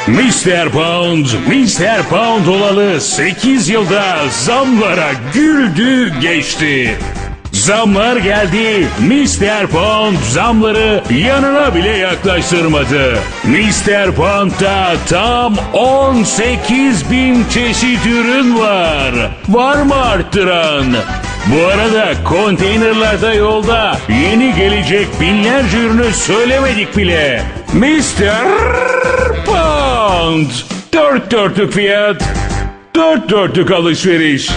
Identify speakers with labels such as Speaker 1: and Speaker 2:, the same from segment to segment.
Speaker 1: Mr. Pound olalı 8 yılda zamlara güldü geçti. Zamlar geldi, Mr. Pound zamları yanına bile yaklaştırmadı. Mr. Pound'da tam 18.000 çeşit ürün var. Var mı arttıran? Bu arada konteynerlarda yolda yeni gelecek binlerce ürünü söylemedik bile. Mr. Pound. 4 dörtlük fiyat, 4 dörtlük alışveriş.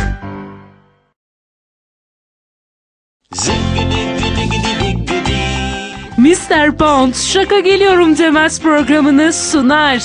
Speaker 2: Mr. Pound Şaka Geliyorum Demez programını sunar.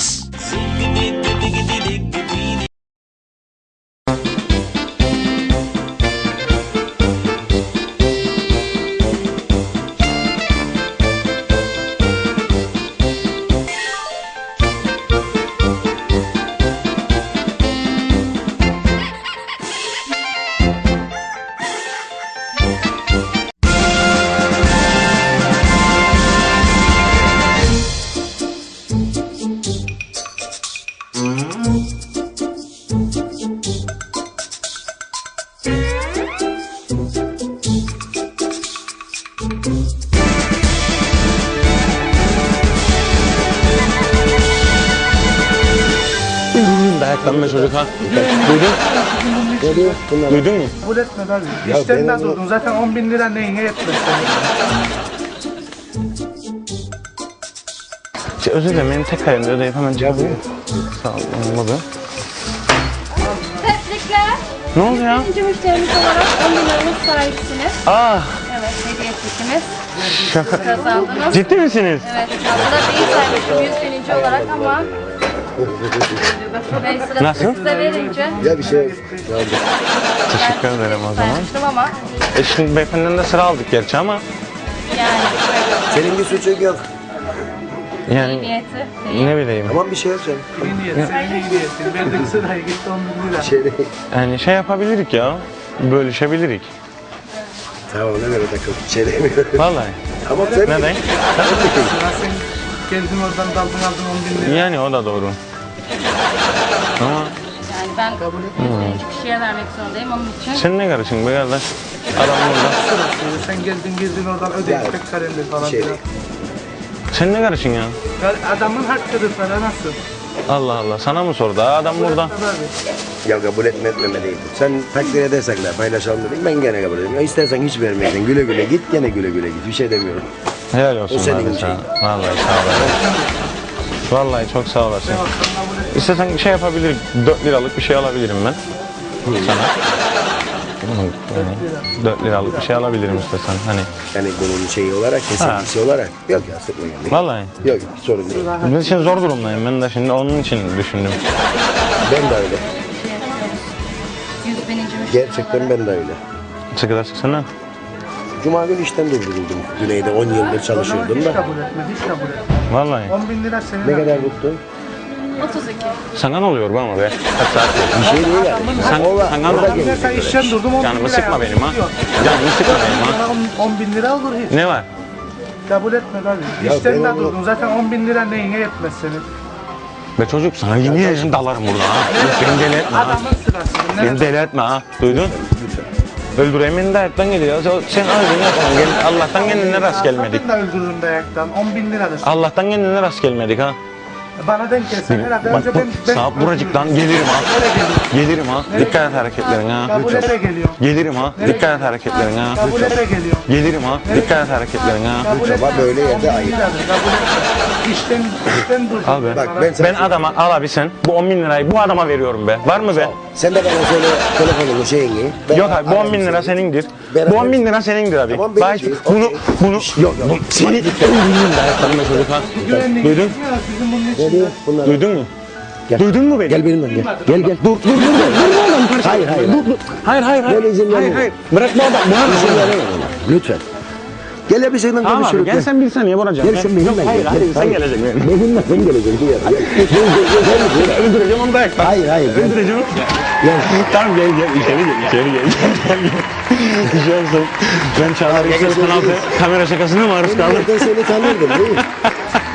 Speaker 3: Dayaklanma çocuk ha. Duydun? Duydun mu?
Speaker 4: Kabul etme abi. İşlerinden durdun. Zaten 10.000 lira neyine yetmez senin.
Speaker 3: Özür dilerim, benim tek kalemde ödeyip hemen cevabı. Sağ ol, olmadı.
Speaker 5: Tebrikler.
Speaker 3: Ne oldu ya?
Speaker 5: Birinci müşterimiz olarak 10 bin liramız sahipsiniz. Evet, hediye çekimiz.
Speaker 3: Şaka.
Speaker 5: Kazandınız.
Speaker 3: Ciddi misiniz?
Speaker 5: Evet, aslında değil saymışım 100 bininci olarak ama Bey sırası
Speaker 3: Nasıl?
Speaker 5: size verince
Speaker 6: Ya bir şey
Speaker 3: Teşekkür ederim o zaman.
Speaker 5: saymıştım ama
Speaker 3: Şimdi beyefendiden de sıra aldık gerçi ama
Speaker 5: yani
Speaker 6: senin bir suçun yok.
Speaker 5: iyi
Speaker 3: yani
Speaker 5: niyeti değil.
Speaker 3: ne bileyim.
Speaker 6: Tamam bir şey yok canım.
Speaker 4: İyi niyet, senin iyi niyetin. Verdik sıraya gitti 10.000 lira.
Speaker 6: Şey değil.
Speaker 3: Yani şey yapabilirik ya. Bölüşebilirik.
Speaker 6: Tamam ne böyle takıl. Şey demiyorum.
Speaker 3: Vallahi.
Speaker 6: Tamam sen
Speaker 3: Neden?
Speaker 4: Sıra sen geldin oradan daldın aldın 10.000 lira.
Speaker 3: Yani o da doğru. Ama
Speaker 5: Yani ben hiçbir kişiye vermek zorundayım onun için.
Speaker 3: sen ne karışın be kardeş? Adam burada.
Speaker 4: Sırası. Sen geldin oradan ödeyip tek kalemde falan
Speaker 6: şey
Speaker 4: filan.
Speaker 6: değil.
Speaker 3: Sen ne karışın ya?
Speaker 4: Ya adamın hakkıdır para nasıl?
Speaker 3: Allah Allah, sana mı sordu? Adam burada.
Speaker 4: Tabii.
Speaker 6: Ya kabul etme değil. Sen takdir edersen de paylaşalım dedik. Ben gene kabul ederim. Ya istersen hiç vermeydin. Güle güle git gene güle güle git. Bir şey demiyorum.
Speaker 3: Helal olsun
Speaker 6: O senin
Speaker 3: kardeş
Speaker 6: için.
Speaker 3: ha. Vallahi sağ olasın. Vallahi çok sağ olasın. İstersen şey yapabilirim, 4 liralık bir şey alabilirim ben. Sana. Yani 4 liralık bir şey alabilirim istersen. Hani.
Speaker 6: Yani bunun şeyi olarak, kesintisi olarak. Yok ya sıkma yani.
Speaker 3: Vallahi.
Speaker 6: Yok hiç sorun değil.
Speaker 3: Ben şimdi zor durumdayım. Ben de şimdi onun için düşündüm.
Speaker 6: Ben de öyle.
Speaker 5: 100 bininci müşteri
Speaker 6: Gerçekten ben de öyle.
Speaker 3: Sıkıda sıksana.
Speaker 6: Cuma günü işten durduruldum. Güneyde 10 yıldır çalışıyordum
Speaker 4: Hiç
Speaker 6: da.
Speaker 4: kabul etme, hiç kabul etme.
Speaker 3: Vallahi.
Speaker 4: 10.000 lira senin.
Speaker 6: Ne kadar tuttun?
Speaker 5: 32.
Speaker 3: Sana ne oluyor bu ama be? Kaç saat
Speaker 6: Bir şey değil yani.
Speaker 3: Sen,
Speaker 6: Ola,
Speaker 3: sen
Speaker 6: orada
Speaker 3: anladın.
Speaker 6: gelir.
Speaker 4: Sen işten durdum 10.000
Speaker 3: Canımı
Speaker 4: lira
Speaker 3: sıkma
Speaker 4: yaptın,
Speaker 3: benim ha.
Speaker 4: yok.
Speaker 3: Canımı sıkma benim ha.
Speaker 4: 10.000 lira olur hiç.
Speaker 3: Ne var?
Speaker 4: Kabul etme abi.
Speaker 6: Ya
Speaker 4: İşten de
Speaker 6: ben onu-
Speaker 4: durdun. Zaten 10.000 lira neyine yetmez senin.
Speaker 3: Be çocuk sana yemin ederim dalarım burada ha. Beni deli etme ha.
Speaker 4: Adamın sırası. Ne?
Speaker 3: Beni deli etme ha. Duydun? Öldüreyim beni dayaktan geliyor. Sen ağzını yapma. Allah'tan kendine rast gelmedik.
Speaker 4: Ben de öldürürüm dayaktan. 10.000 liradır.
Speaker 3: Allah'tan kendine rast gelmedik ha.
Speaker 4: Bana denk gelsen herhalde
Speaker 3: Bak
Speaker 4: önce
Speaker 3: bu sağ buracık lan gelirim ha. Gelirim ha. Dikkat et hareketlerine ha.
Speaker 4: Kabul ete geliyor.
Speaker 3: Gelirim ha. Dikkat et hareketlerine ha.
Speaker 4: Kabul ete geliyor.
Speaker 3: Gelirim ha. Dikkat et hareketlerine ha.
Speaker 4: Kabul
Speaker 6: Ama
Speaker 4: etmezsen
Speaker 6: böyle yerde
Speaker 4: 10.000
Speaker 6: ayıp.
Speaker 4: liradır. Kabul etme. İşten durdun.
Speaker 3: Al be.
Speaker 6: Bak ben sana
Speaker 3: Ben adama al abi sen. Bu 10 bin lirayı bu adama veriyorum be. Var mı be?
Speaker 6: Sen de bana söyle telefonunu şeyini. Ben
Speaker 3: Yok abi bu 10 bin
Speaker 6: ararım
Speaker 3: lira
Speaker 6: seni.
Speaker 3: senindir.
Speaker 6: Beraber-
Speaker 3: Bu 10 bin lira senindir abi.
Speaker 6: Tamam, benim
Speaker 3: Bak
Speaker 6: şey,
Speaker 3: bunu
Speaker 6: okey.
Speaker 3: bunu
Speaker 6: Yok yok.
Speaker 3: seni öldürürüm dayaklarına çocuk ha.
Speaker 4: Güvenlik
Speaker 3: Duydun?
Speaker 4: gitmiyor, sizin bunun
Speaker 6: Ne
Speaker 4: için.
Speaker 6: diyor? Bunlar.
Speaker 3: Duydun mu?
Speaker 6: Gel.
Speaker 3: Duydun mu beni?
Speaker 6: Gel benimle gel. Gel. Dur oğlum parça. Hayır.
Speaker 3: Hayır hayır hayır.
Speaker 6: Ben izin
Speaker 3: Hayır
Speaker 6: vermiyorum.
Speaker 3: hayır. Bırak bu adam. Bu adam.
Speaker 6: İzin veremem ona. Lütfen. Gel ya bir seninle
Speaker 3: Tamam abi
Speaker 6: konuşuruz.
Speaker 3: gel sen bir saniye vuracağım.
Speaker 6: Gel sen benimle
Speaker 3: Yok,
Speaker 6: gel.
Speaker 3: hayır hayır
Speaker 6: Gel,
Speaker 3: sen
Speaker 6: hayır.
Speaker 3: geleceksin benim.
Speaker 6: Benimle sen geleceksin. Gel.
Speaker 3: Öldüreceğim onu dayaktan.
Speaker 6: Hayır. Gel.
Speaker 3: Öldüreceğim.
Speaker 6: Gel.
Speaker 3: Tamam gel içeri gel. Bir şey olsun. Ben Çağlar Yüksel kanalda kamera şakasına maruz kaldım.
Speaker 6: Ben seni tanırdım değil mi?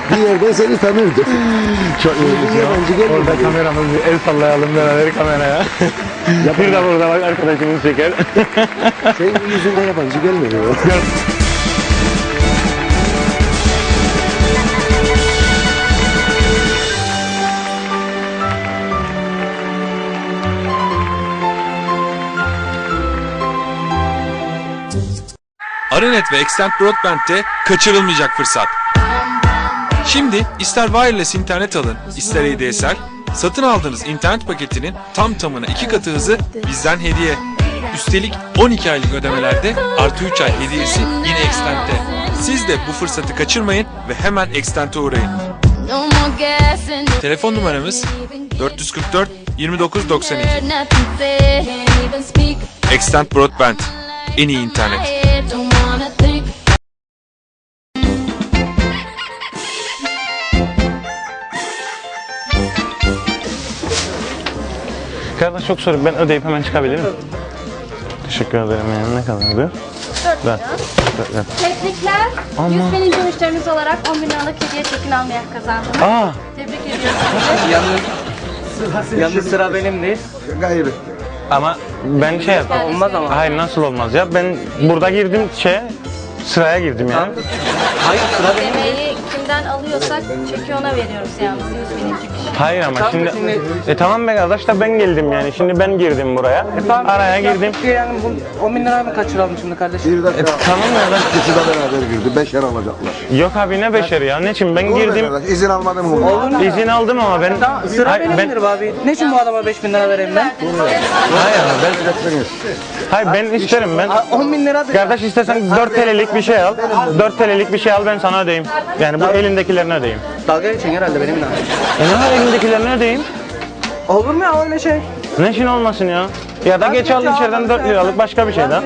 Speaker 6: Bir yerden seni tanırdı.
Speaker 3: Çok iyi.
Speaker 6: Yabancı gelmedi.
Speaker 3: Orada kameramız bir el sallayalım beraber kameraya. Bir de burada bak arkadaşımız çeker.
Speaker 6: Senin yüzünde yabancı gelmedi.
Speaker 7: Aranet ve Extend Broadband'de kaçırılmayacak fırsat. Şimdi ister wireless internet alın, ister ADSL, satın aldığınız internet paketinin tam tamına 2 katı hızı bizden hediye. Üstelik 12 aylık ödemelerde artı 3 ay hediyesi yine Extend'de. Siz de bu fırsatı kaçırmayın ve hemen Extend'e uğrayın. Telefon numaramız 444 29 92. Extend Broadband, en iyi internet.
Speaker 3: Kardeş çok soru, ben ödeyip hemen çıkabilirim. Teşekkür ederim. Yani ne kadardı?
Speaker 5: 4 lira.
Speaker 3: Ver.
Speaker 5: Tebrikler.
Speaker 3: Ama-
Speaker 5: 100 bininci müşterimiz olarak 10 bin liralık hediye çekin almaya kazandınız.
Speaker 3: Aa,
Speaker 5: Tebrik ediyoruz sizi.
Speaker 4: Yalnız sıra benim değil.
Speaker 6: Gayrı.
Speaker 3: ama ben şey yaptım.
Speaker 4: Olmaz ama.
Speaker 3: Hayır, nasıl olmaz ya? Ben burada girdim sıraya girdim yani.
Speaker 4: Hayır sıra benim.
Speaker 5: Yemeği kimden alıyorsak çeki ona veriyoruz yalnız 100 bininci kişi.
Speaker 3: Hayır ama
Speaker 4: Tamam,
Speaker 3: şimdi
Speaker 4: şimdi-
Speaker 3: tamam be kardeş da ben geldim yani. Şimdi ben girdim buraya. Araya girdim.
Speaker 4: Yani bu 10 bin lirayı mı kaçıralım şimdi kardeşim?
Speaker 6: Bir dakika.
Speaker 3: Tamam kardeş.
Speaker 6: İkisi de beraber girdi. 5'er alacaklar.
Speaker 3: Yok abi ne beşeri ya. Ne için ben
Speaker 6: Olur be
Speaker 3: girdim.
Speaker 6: kardeş, İzin almadım mı?
Speaker 4: Olur mu?
Speaker 3: İzin aldım ama ben.
Speaker 4: Tamam sıra
Speaker 3: Hayır,
Speaker 4: benimdir be abi. Ne için bu adama 5 bin lira vereyim ben?
Speaker 3: Hayır ama ben isterim ben.
Speaker 4: 10 bin lira
Speaker 3: Kardeş istersen 4 TL'lik bir şey al. 4 TL'lik bir şey al, ben sana ödeyeyim. Yani bu elindekilerini ödeyeyim.
Speaker 4: Dalga geçin herhalde benimle.
Speaker 3: Ne var elindekilerini ödeyeyim?
Speaker 4: Olur mu ya öyle şey?
Speaker 3: Ne için olmasın ya? Ya da geç al içeriden 4 liralık başka bir şeyden.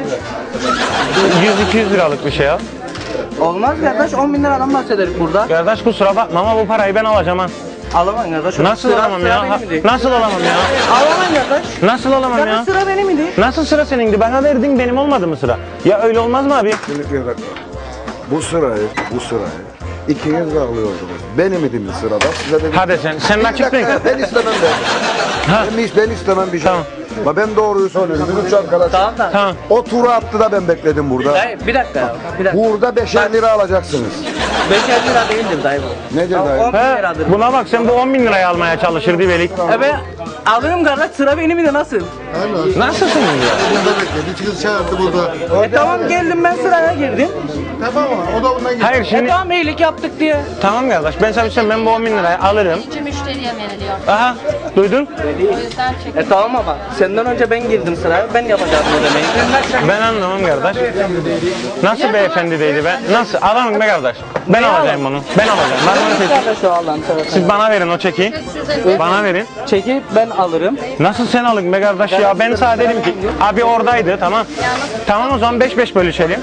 Speaker 3: 100-200 liralık bir şey al.
Speaker 4: Olmaz kardeş 10 bin liradan bahsederiz burada.
Speaker 3: Kardeş kusura bakma ama bu parayı ben alacağım ha.
Speaker 4: Alamam kardeş.
Speaker 3: Nasıl
Speaker 4: Sıra-
Speaker 3: alamam
Speaker 4: sıra
Speaker 3: ya?
Speaker 4: benim idi.
Speaker 3: Nasıl alamam ya?
Speaker 4: Alamam kardeş.
Speaker 3: Nasıl alamam ya?
Speaker 4: Kardeş sıra benim idi.
Speaker 3: Nasıl sıra senindi? Bana verdin, benim olmadı mı sıra? Ya öyle olmaz mı abi?
Speaker 6: Şimdi bir dakika. Bu sırayı ikiniz de alıyordunuz. Benim idim sırada. Size dedim.
Speaker 3: Hadi sen
Speaker 6: Bir
Speaker 3: açıklayın.
Speaker 6: dakika, ben istemem ben istemem bir şey.
Speaker 3: Tamam.
Speaker 6: Ama ben doğruyu söylüyorum. Bizim üç arkadaş.
Speaker 4: Tamam da.
Speaker 3: Tamam.
Speaker 6: O turu attı da ben bekledim burada.
Speaker 4: Dayı bir dakika ya. Bir dakika.
Speaker 6: Burada 5'er lira alacaksınız.
Speaker 4: 5'er lira değildir dayı bu.
Speaker 6: Nedir
Speaker 4: Tamam,
Speaker 6: dayı?
Speaker 4: 10 bin
Speaker 3: He,
Speaker 4: liradır.
Speaker 3: buna bak sen bu 10 bin liraya almaya çalışır Divelik.
Speaker 4: Ben alırım kardeş sıra benim idi nasıl?
Speaker 3: Nasılsın ya?
Speaker 8: Burada bekle. Bir çıkış çağırdı burada.
Speaker 4: Tamam geldim ben sıraya girdim.
Speaker 8: Tamam mı? O da bundan gitti.
Speaker 3: Hayır şimdi
Speaker 4: Tamam iyilik yaptık diye.
Speaker 3: tamam kardeş ben sana bir şey ben bu 10 bin lirayı alırım.
Speaker 5: Bininci müşteriye veriliyor.
Speaker 3: Aha duydun?
Speaker 5: O yüzden çekin.
Speaker 4: Tamam ama senden önce ben girdim sıraya ben yapacağım ödemeyi.
Speaker 3: Ben anlamam kardeş. Nasıl beyefendi değildi ben? Nasıl? Alamam be kardeş. Ben alacağım bunu. Ben alacağım. Ben bunu seçeyim.
Speaker 4: Kardeş o Allah'ın seversen.
Speaker 3: Siz bana verin o çeki. Bana verin.
Speaker 4: Çeki ben alırım.
Speaker 3: Nasıl sen alın be kardeş ya? Ben sana dedim ki abi oradaydı tamam. Tamam o zaman 5-5 bölüşelim.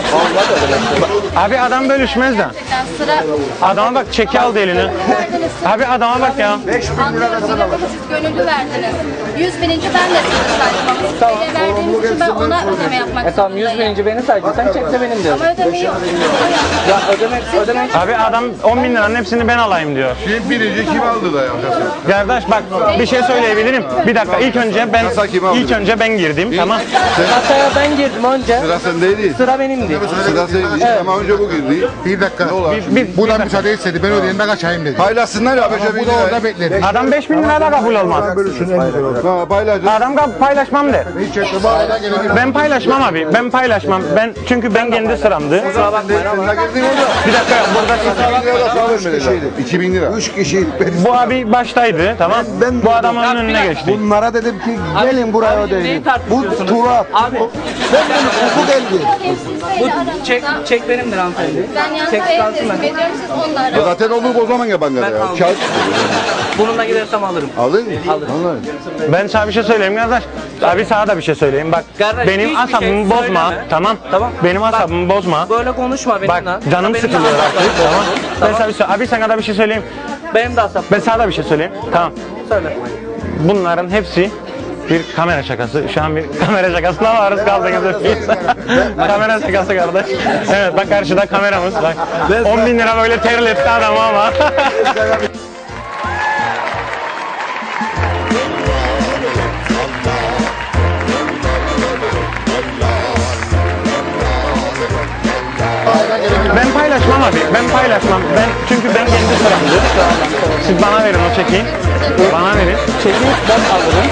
Speaker 3: Abi adam bölüşmez de.
Speaker 5: Gerçekten sıra
Speaker 3: Adama bak çeki aldı eline. Abi adama bak ya.
Speaker 5: anlıyorum yine bunu siz gönüllü verdiniz. 100 bininci ben de size saydım ama siz böyle verdiğiniz için ben ona ödeme yapmak
Speaker 4: Tamam 100
Speaker 5: zorundayım.
Speaker 4: bininci beni saydı sen çekse benim diyor.
Speaker 5: Ama ödemeyi o yaptı.
Speaker 4: Ya ödeme
Speaker 3: Abi adam 10 bin liranın hepsini ben alayım diyor.
Speaker 8: Şimdi birinci kim aldı da ya?
Speaker 3: Kardeş bak bir şey söyleyebilirim. Bir dakika ilk önce ben girdim tamam.
Speaker 4: Kasaya ben girdim önce.
Speaker 8: Sıra sendeydi.
Speaker 4: Sıra benimdi.
Speaker 8: Sıra sendeydi. Ama önce bu girdi. Bir dakika. Ne olur?
Speaker 3: Bu da
Speaker 8: müsaade istedi. Ben ödeyeyim ben kaçayım dedi. Paylaşsınlar ya. Bu da orada bekledi.
Speaker 3: Adam 5 bin lira da kabul olmaz.
Speaker 8: Ha paylaşın.
Speaker 3: Adam paylaşmam der.
Speaker 8: Hiç etme. Bağda gelebilir.
Speaker 3: Ben paylaşmam abi. Ben paylaşmam. Çünkü ben kendi sıramdı.
Speaker 4: Kusura bakmayın ama.
Speaker 8: Sen de girdin orada.
Speaker 3: Bir dakika burada
Speaker 8: 2000 lira da sana vermediler. 2000 lira.
Speaker 6: 3 kişiydik.
Speaker 3: bu abi baştaydı tamam. Bu adamın önüne geçti.
Speaker 6: Bunlara dedim ki gelin buraya
Speaker 4: Abi, neyi
Speaker 6: ödeyin. Bu
Speaker 4: tartışıyorsunuz?
Speaker 6: tura attı.
Speaker 4: Abi
Speaker 6: Ben dedim hukuku geldi.
Speaker 5: Bu
Speaker 4: çek benimdir hanımefendi.
Speaker 5: Ben yan
Speaker 4: Çek
Speaker 5: tarafı
Speaker 4: kalsın
Speaker 5: teslim
Speaker 4: ben.
Speaker 5: ediyorum siz onunla arayın.
Speaker 8: Zaten olur o zaman ya bankada
Speaker 4: Ben
Speaker 8: ya.
Speaker 4: aldım.
Speaker 8: Kağıt
Speaker 4: Bununla gidersem alırım.
Speaker 8: alın.
Speaker 4: Alırım.
Speaker 3: Ben sana bir şey söyleyeyim kardeş. Abi sana da bir şey söyleyeyim. Bak
Speaker 4: Kardeş,
Speaker 3: benim
Speaker 4: hiçbir
Speaker 3: asabımı
Speaker 4: şey
Speaker 3: bozma.
Speaker 4: söyleme.
Speaker 3: Tamam.
Speaker 4: Tamam.
Speaker 3: Benim
Speaker 4: Bak,
Speaker 3: asabımı bozma.
Speaker 4: Böyle konuşma benimle.
Speaker 3: Bak canım
Speaker 4: Benim de
Speaker 3: sıkılıyor
Speaker 4: asaplarım
Speaker 3: artık. Tamam.
Speaker 4: bozuldu.
Speaker 3: Ben sana bir şey abi sana da bir şey söyleyeyim.
Speaker 4: Benim de asap.
Speaker 3: Ben sana da bir şey söyleyeyim. Tamam.
Speaker 4: Söyle.
Speaker 3: Bunların hepsi bir kamera şakası. Şu an bir kamera şakasına maruz kaldığınızı kamera şakası kardeş. Evet bak karşıda kameramız. Bak. 10.000 lira böyle terletti adamı ama. Ben paylaşmam abi. Ben paylaşmam. Çünkü ben kendi sıramdı. Siz bana verin o çekiyi. Bana verin. Çekiyi ben alırım.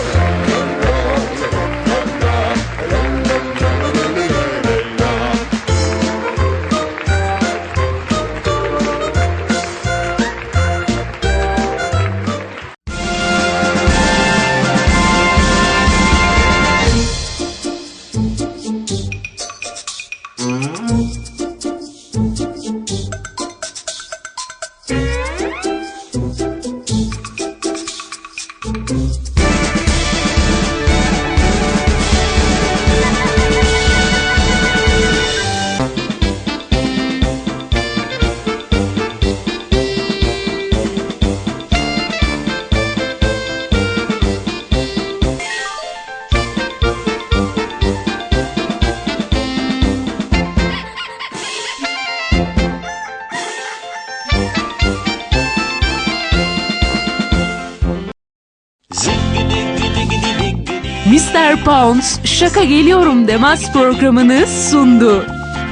Speaker 2: Mr. Pounds Şaka Geliyorum Demez programını sundu.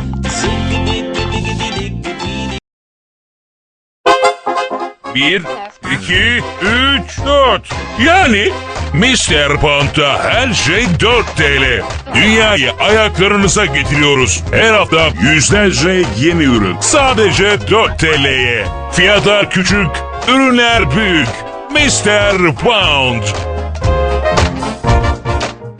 Speaker 1: Bir, iki, üç, dört. Yani Mr. Pound'da her şey 4 TL. Dünyayı ayaklarınıza getiriyoruz. Her hafta yüzlerce yeni ürün. Sadece 4 TL'ye. Fiyatlar küçük, ürünler büyük. Mr. Pound.